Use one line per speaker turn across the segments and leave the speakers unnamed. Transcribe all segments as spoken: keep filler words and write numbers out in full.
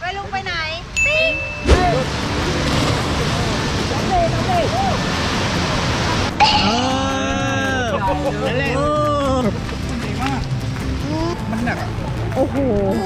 ลุงไปไหนปิ๊งน้องเมย์น้องเมย์
เออเล่นดีมากมันหนักโอ้โห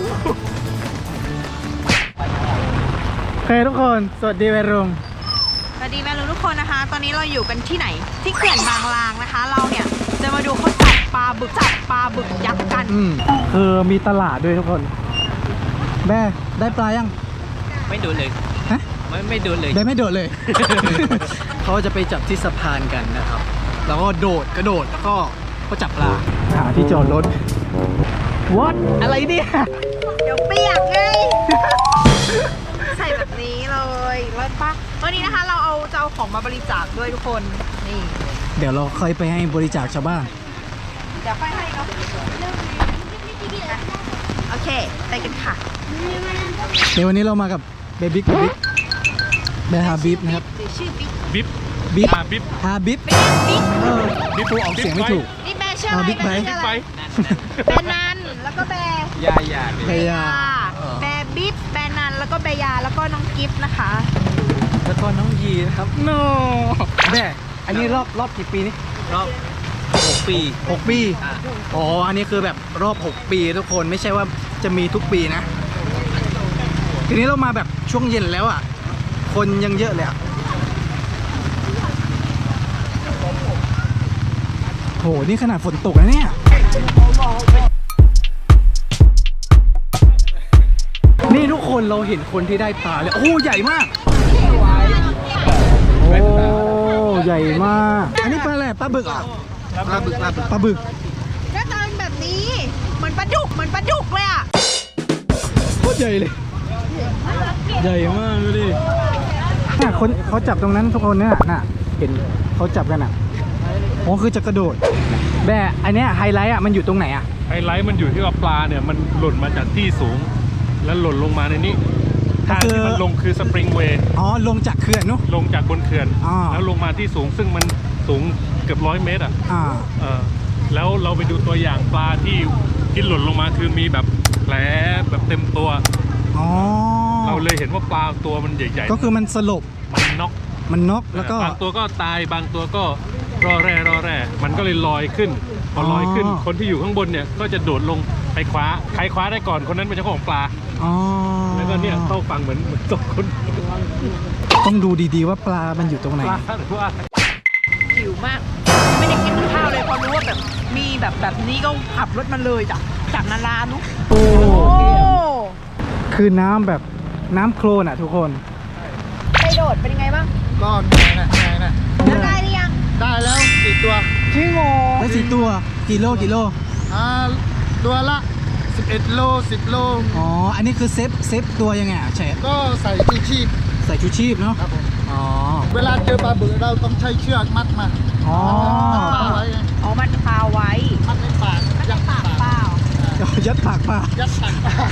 โอเคทุกคนสวัสดีวัยรุ่น
สวัสดีแม่ลุงทุกคนนะคะตอนนี้เราอยู่กันที่ไหนที่เขื่อนบางลางนะคะเราเนี่ยจะมาดูเขาจับปลาบึกจับปลาบึกยักษ์กัน
อืมคือมีตลาดด้วยทุกคนแม่ได้ปลายัง
ไม่โดนเลย
ฮะ
ไม่ไม่โดนเลย
ได้ไม่โดดเลย เขาจะไปจับที่สะพานกันนะครับแล้วก็โดดกระโดดแล้วก็ก็จับปลาหาที่จอดรถ What อะไรเนี่ย
เดี๋ยวเปียกไง ใส่แบบนี้เลยแล้วปะวันนี้นะคะเราเอาจะเอาของมาบริจาคด้วยทุกคนนี่
เดี๋ยวเราค่อยไปให้บริจาคชาวบ้าน
เดี๋ยวค่อยให้เนาะโอเคไปกันค่ะ
เดี๋ยววันนี้เรามากับเบบิ๊กเบบิ๊กเบฮาบิบนะครับ
ชื่อบิ๊ก
บิ๊บ
บิ๊บ
ฮาบิ๊บ
ฮาบิบ
บิ๊ก
เออบิ๊บออกเสียงไม่ถูก
นี่แบร์ชื่ออะไร
บิ๊กไบค์
แบร์นันแล้วก็แบร์
ยายา
แบร์ยาแบร์บิ๊บแบร์นันแล้วก็แบร์ยาแล้วก็น้องกิฟต์นะคะ
แล้วก็น้องยีนะครับโน่แม่อันนี้รอบรอบกี่ปีนี่
รอบหกปี
หกปีอ๋ออันนี้คือแบบรอบหกปีทุกคนไม่ใช่ว่าจะมีทุกปีนะทีนี้เรามาแบบช่วงเย็นแล้วอ่ะคนยังเยอะเลยอ่ะโหนี่ขนาดฝนตกแล้วเนี่ยนี่ทุกคนเราเห็นคนที่ได้ปลาเลยโอ้ใหญ่มากโอ้ใหญ่มากอันนี้ปลาอะไรปลาบึกอ่ะปลาบึกปลาบึกปลาบึก
หน้าตาเป็นแบบนี้เหมือนปลาดุกเหมือนปลาดุกเลยอ่ะ
โคตรใหญ่เลยใหญ่มากดูดิน่ะคนเขาจับตรงนั้นทุกคนเนี่ยน่ะเห็นเขาจับกันอ่ะอ๋อคือจะกระโดดแบ่อันเนี้ยไฮไลท์อ่ะมันอยู่ตรงไหนอ่ะ
ไฮไลท์มันอยู่ที่ว่าปลาเนี่ยมันหล่นมาจากที่สูงแล้วหล่นลงมาในนี้ทางที่มันลงคือสปริงเวย์
อ๋อลงจากเขื่อนนู้
ลงจากบนเขื่อนแล้วลงมาที่สูงซึ่งมันสูงเกือบร้อยเมตรอ่ะเออแล้วเราไปดูตัวอย่างปลาที่ที่หล่นลงมาคือมีแบบแผลแบบเต็มตัวเราเลยเห็นว่าปลาตัวมันใหญ่ๆ
ก็คือมันสลบ
มันน็อก
มันน็อกแล้วก็
บางตัวก็ตายบางตัวก็รอแร่รอแร่มันก็เลยลอยขึ้นพอลอยขึ้นคนที่อยู่ข้างบนเนี่ยก็จะโดดลงไปคว้าใครคว้าได้ก่อนคนนั้นเป็นเจ้าของปลาแล้วก็เนี่ยเข้าฟังเหมือนเหมือนตกคน
ต้องดูดีๆว่าปลามันอยู่ตรงไหน
ปลาหรือว่า
หิวมากไม่ได้กินข้าวเลยพอรู้ว่าแบบมีแบบแบบนี้ก็ขับรถมาเลยจากจากนารานุ
โอ้คือน้ำแบบน้ำโคลนอ่ะทุกคน
ไปโดดเป็นยังไงบ้าง
ก็เหนื่อยนะเหนื่อยนะ
แล้วได้หรือยัง
ได้แล้วสี่ตัว
จริงเหรอ
ได้สี่ตัวกี่โลกี่โล
อ่าตัวละสิบเอ็ดโลสิบโล
อ๋ออันนี้คือเซฟเซฟตัวยังไงอ่ะเชฟ
ก็ใส่ชูชีพ
ใส่ชูชีพเนาะ
ครับผม
อ๋อ
เวลาเจอปลาบึกเราต้องใช้เชือกมัดมา
อ๋อ
มัดไว้
อ๋อมัดคาไว้
มัดในปาก
ยัดปากเปล่า
ยัดปากปลา
ยัดปากปลา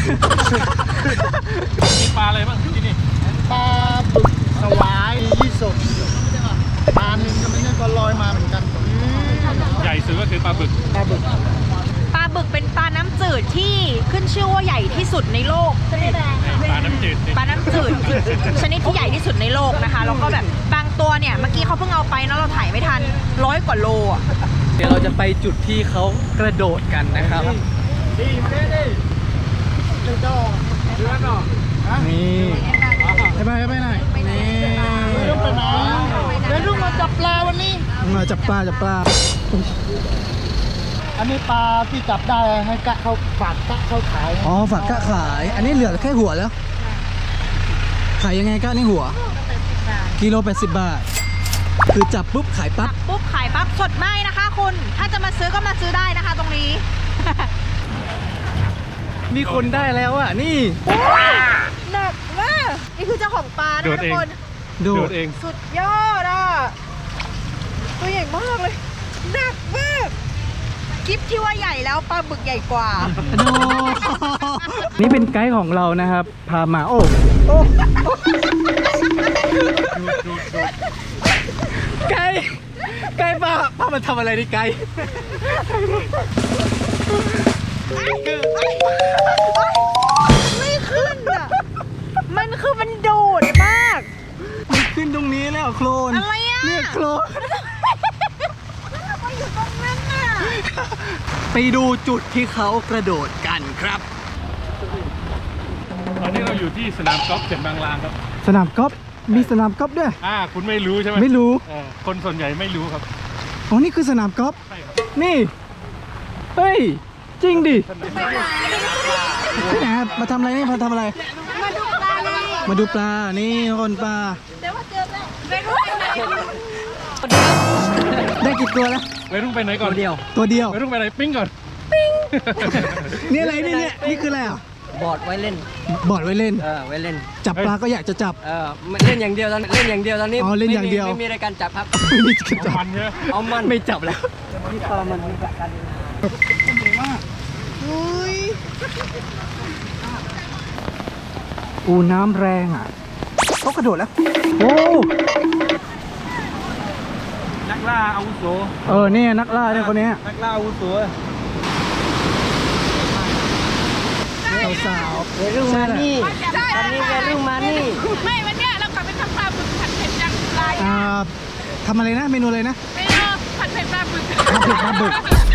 มีปลาอะไรบ้างที่นี่
ปลาบึกสวายยี่สกปลาหนึ่งก็ไม่ใช่ก็ลอยมาเหมือนกัน
ใหญ่สุดก็คือปลาบึก
ปลาบึก
ปลาบึกเป็นปลาน้ำจืดที่ขึ้นชื่อว่าใหญ่ที่สุดในโลก
ปลาน้ำจืด
ปลาน้ำจืดชนิดที่ใหญ่ที่สุดในโลกนะคะแล้วก็แบบบางตัวเนี่ยเมื่อกี้เขาเพิ่งเอาไปเนาะเราถ่ายไม่ทันร้อยกว่าโลอ่ะ
เดี๋ยวเราจะไปจุดที่เขากระโดดกันนะครับนี่ไปไปไปไหนนี่
ไปไหนเดี๋ยวลูกมาจับปลาวันนี้
มาจับปลาจับปลา
อันนี้ปลาที่จับได้ให้กะเขาฝากกะเขาขาย
อ๋อฝากกะขายอันนี้เหลือแค่หัวแล้วขายยังไงกะนี่หัวกิโลแปดสิบบาทคือจับปุ๊บขายปั๊บ
ปุ๊บขายปั๊บสดไม่นะคะคุณถ้าจะมาซื้อก็มาซื้อได้นะคะตรงนี้
มีคนได้แล้วอ่ะนี่
หนักมากนี่คือเจ้าของปลานะทุกคน
โดด
เอง
สุดยอดอ่ะตัวใหญ่มากเลยหนักมากคลิปที่ว่าใหญ่แล้วปลาบึกใหญ่กว่า
นี่เป็นไกด์ของเรานะครับพามาโอ้ไกด์ไกด์ป้าป้ามันทำอะไรดิไกด์
ไม่ขึ้นอ่ะ
โคลน
อะไรอ่ะ
เนี่ยโคลน
ไปอยู่ตรงนั้นน่ะ
ไปดูจุดที่เขากระโดดกันครับ
ตอนนี้เราอยู่ที่สนามกอล์ฟเจ็ดบางลางครับ
สนามกอล์ฟมีสนามกอล์ฟด้วย
อ่าคุณไม่รู้ใช่ไหม
ไม่รู้
เออคนส่วนใหญ่ไม่รู้ครับ
อ๋อนี่คือสนามกอล์ฟ
ใช่ครับ
นี่เฮ้ยจริงดิที่ไหนมาทำอะไรนี่มาทำอะไร
มาดูปลาเลย
มาดูปลานี่คนปลา
เดี๋ยวว่าเจอแล้วไปรู้ไหน
ได้กี่ตัวแล้ว
ไปรุ่งไปไหนก่อนเดียว
ตัวเดียว
ไปรุ่งไปไหนปิ้งก่อน
นี่อะไรนี่เนี่ยนี่คืออะไรอ่ะ
บอร์ดไว้เล่น
บอร์ดไว้เล่น
เออ ไว้เล่น
จับปลาก็อยากจะจับ
เออไม่เล่นอย่างเดียวตอนเล่นอย่างเดียวตอนนี้
อ๋อเล่นอย่างเดียว
ไม่มีไม่มีรายการจับครับ
ไม่มีจะจับ
มันใช่ไหม
เอามัน
ไม่จับแล้ว
นี่ปลามันมีประกัน
อูน้ำแรงอ่ะเขากระโดดแล้วโอ้
นักล่าอาวุโส
เออเนี่ยนักล่าเนี่ยคนเนี้ย
นักล่าอาวุโส
สาว
เวรุ่งมานี่ตอนนี้เวรุ่งมานี่
ไม่วันเนี้ยเรากลับไปทำปลาบึกผัดเผ็ดจังไร
ๆอ่าทำอะไรนะเมนูเลยนะ
ไม่เออผัดเผ็ดปลาบึก
ผัดเผ็ดปลาบึก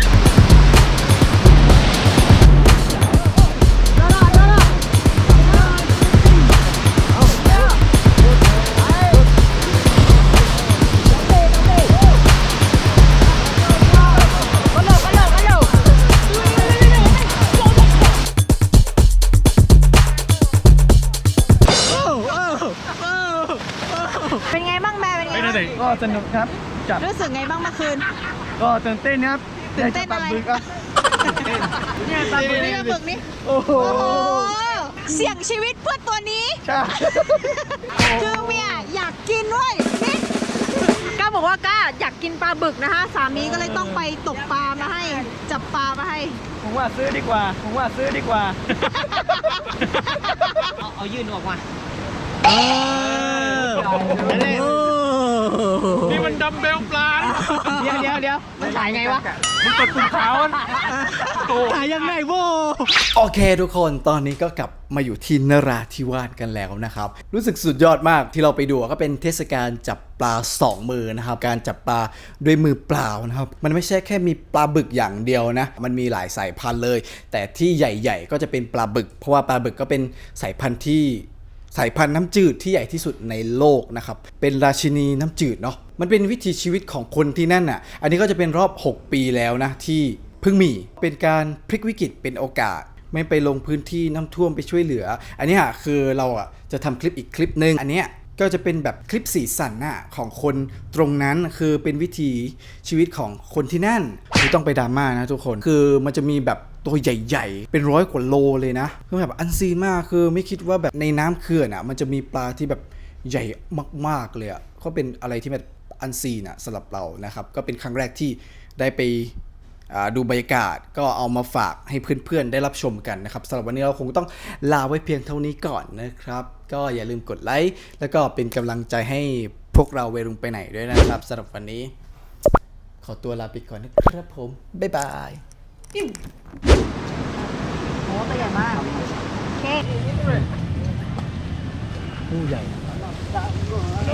เป็นไงบ้างแม่เป็นไง
ไม่ได้
บ้าง
เด็ก
ก็สนุกครับจับ
รู้สึกไงบ้างเมื่อคืน
ก็ตื่นเต้นครับ
ตื่นเต้นอะไร
ด้จับปลาบึกอ่ะ
เนี่ยปลาบึกนี่ปลาบึกนี่
โอ้โห
โอ้โหเสี่ยงชีวิตเพื่อตัวนี้
ใช่
คือเมียอยากกินด้วยนี่ก้าบอกว่าก้าอยากกินปลาบึกนะคะสามีก็เลยต้องไปตกปลามาให้ จับปลามาให้
ผมว่าซื้อดีกว่า ผมว่าซื้อดีกว่า เอาเอายื่นออกมา
เออ
นี่มันดัมเบลปลา
เดี๋ยวเดี๋ยวเดี๋ยวมันถ่ายไงวะ
มันกดปุ่มขาวอะโอ้
ถ่ายยังไงโว้โอเคทุกคนตอนนี้ก็กลับมาอยู่ที่นราธิวาสกันแล้วนะครับรู้สึกสุดยอดมากที่เราไปดูก็เป็นเทศกาลจับปลาสองมือนะครับการจับปลาด้วยมือเปล่านะครับมันไม่ใช่แค่มีปลาบึกอย่างเดียวนะมันมีหลายสายพันธุ์เลย แต่ที่ใหญ่ๆก็จะเป็นปลาบึก เพราะว่าปลาบึกก็เป็นสายพันธุ์ที่สายพันธุ์น้ำจืดที่ใหญ่ที่สุดในโลกนะครับเป็นราชินีน้ำจืดเนาะมันเป็นวิถีชีวิตของคนที่นั่นอ่ะอันนี้ก็จะเป็นรอบหกปีแล้วนะที่เพิ่งมีเป็นการพลิกวิกฤตเป็นโอกาสไม่ไปลงพื้นที่น้ำท่วมไปช่วยเหลืออันนี้อ่ะคือเราอ่ะจะทำคลิปอีกคลิปนึงอันเนี้ยก็จะเป็นแบบคลิปสีสันน่ะของคนตรงนั้นคือเป็นวิถีชีวิตของคนที่นั่นไม่ต้องไปดราม่านะทุกคนคือมันจะมีแบบตัวใหญ่ๆเป็นร้อยกว่าโลเลยนะคือแบบอันซีนมากคือไม่คิดว่าแบบในน้ำเขื่อนอ่ะมันจะมีปลาที่แบบใหญ่มากๆเลยอ่ะก็เป็นอะไรที่แบบอันซีนอ่ะสำหรับเรานะครับก็เป็นครั้งแรกที่ได้ไปดูบรรยากาศก็เอามาฝากให้เพื่อนๆได้รับชมกันนะครับสำหรับวันนี้เราคงต้องลาไว้เพียงเท่านี้ก่อนนะครับก็อย่าลืมกดไลค์แล้วก็เป็นกำลังใจให้พวกเราเวรุงไปไหนด้วยนะครับสำหรับวันนี้ขอตัวลาไปก่อนนะครับผมบ๊ายบาย
โอ้ตัวใหญ่มากโอเค
ผู้ใหญ่